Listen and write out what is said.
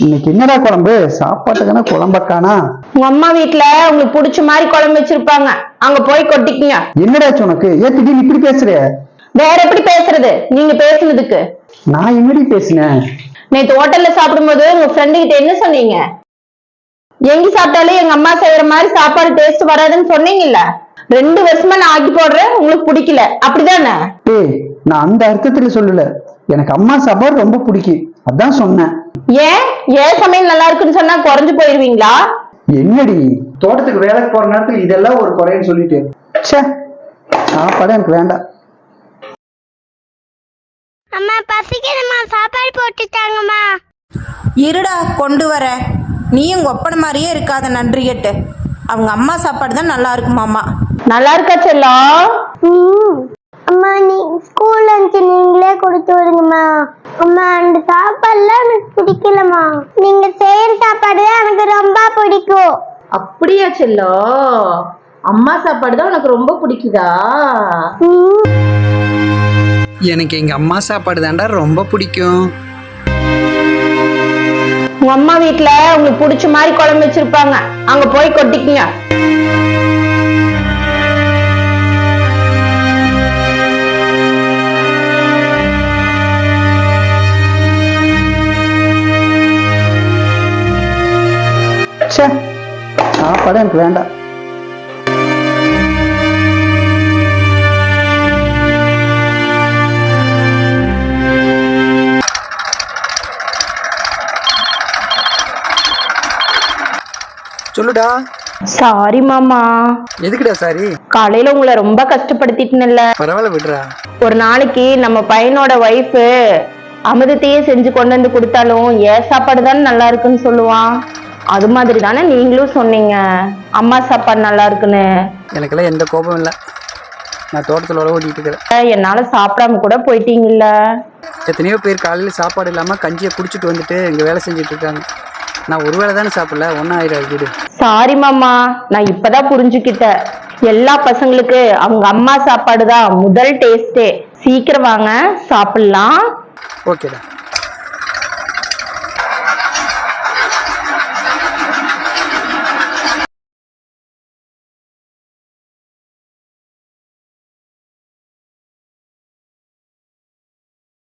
இன்னைக்கு என்னடா குழம்பு? சாப்பாட்டுக்கான குழம்பக்கானா? உங்க அம்மா வீட்டுல உங்களுக்கு பிடிச்ச மாதிரி குழம்பு வச்சிருப்பாங்க, அங்க போய் கொட்டிக்கங்க. என்னடாச்சு உனக்கு? ஏன் திடீர்னு இப்படி பேசுற? வேற எப்படி பேசுறது நீங்க பேசுனதுக்கு? நான் என்னடி பேசினேன்? நேத்து ஹோட்டல்ல சாப்பிடும்போது உங்க ஃப்ரெண்டு கிட்ட என்ன சொன்னீங்க? எங்க சாப்பிட்டாலும் எங்க அம்மா செய்யற மாதிரி சாப்பாடு டேஸ்ட் வராதுன்னு சொன்னீங்கல்ல. 2 வருஷமா நான் ஆக்கி போடுறேன், உங்களுக்கு பிடிக்கல அப்படிதானே? ஏய், நான் அந்த அர்த்தத்துல சொல்லல. எனக்கு அம்மா சாப்பாடு ரொம்ப பிடிக்கும், அதான் சொன்னேன். ஏன் சமையல் நல்லா இருக்குன்னு சொன்னா குறைஞ்சு போயிருவீங்களா? என்னடி தோட்டத்துக்கு வேலைக்கு போற நேரத்துல இதெல்லாம் ஒரு குறைன்னு சொல்லிட்டு சாப்பாடு எனக்கு வேண்டாம். அம்மா பசிக்குதுமா, சாப்பாடு போட்டுட்டாங்கம்மா. இருடா கொண்டு வர. நீயும் ஒப்பனை மாதிரியே இருக்காத நன்றி கேட்டு. அவங்க அம்மா சாப்பாடு தான் நல்லா இருக்குமாம்மா. நல்லா இருக்கா செல்லம்? அம்மா நீ ஸ்கூல் லஞ்ச் நீங்களே கொடுத்து விடுங்கம்மா. அம்மா அந்த சாப்பாடுலாம் எனக்கு பிடிக்கலம்மா. நீங்க செய்யற சாப்பாடு தான் எனக்கு ரொம்ப பிடிக்கும். அப்படியா செல்லம்? அம்மா சாப்பாடு தான் உனக்கு ரொம்ப பிடிக்குதா? எனக்கு எங்க அம்மா சாப்பாடு தாண்டா ரொம்ப பிடிக்கும். உங்க அம்மா வீட்டுல உங்களுக்கு பிடிச்ச மாதிரி குழம்பு வச்சிருப்பாங்க, அங்க போய் கொட்டிக்கங்க. சாப்பாடு எனக்கு வேண்டாம். சொல்லுடா. சாரி மாமா. எதுக்குடா சாரி? காலையில உங்களை ரொம்ப கஷ்டப்படுத்திட்டேன்ல. பரவாயில்ல விடுறா. ஒரு நாளைக்கு நம்ம பையனோட ஒய்ஃப் அமிர்தத்தையே செஞ்சு கொண்டு வந்து கொடுத்தாலும் ஏன் சாப்பாடு தானே நல்லா இருக்குன்னு சொல்லுவான். அது மாதிரி தானே நீங்களும் சொன்னீங்க அம்மா சாப்பாடு நல்லா இருக்குன்னு. எனக்கெல்லாம் எந்த கோபம் இல்லை. நான் தோட்டத்தில் ஓடிட்டு இருக்கிறேன். என்னால சாப்பிடாம கூட போயிட்டீங்கல்ல. எத்தனையோ பேர் காலையில் சாப்பாடு இல்லாமல் கஞ்சியை குடிச்சிட்டு வந்துட்டு இங்கே வேலை செஞ்சுட்டு இருக்காங்க. நான் ஒரு வேளை தானே சாப்பிடல, ஒன்றும் ஆயிரம் வீடு. சாரி மாமா, நான் இப்பதான் புரிஞ்சுக்கிட்டேன். எல்லா பசங்களுக்கு அவங்க அம்மா சாப்பாடு தான் முதல் டேஸ்டே. சீக்கிரம் வாங்க சாப்பிடலாம். ஓகேடா.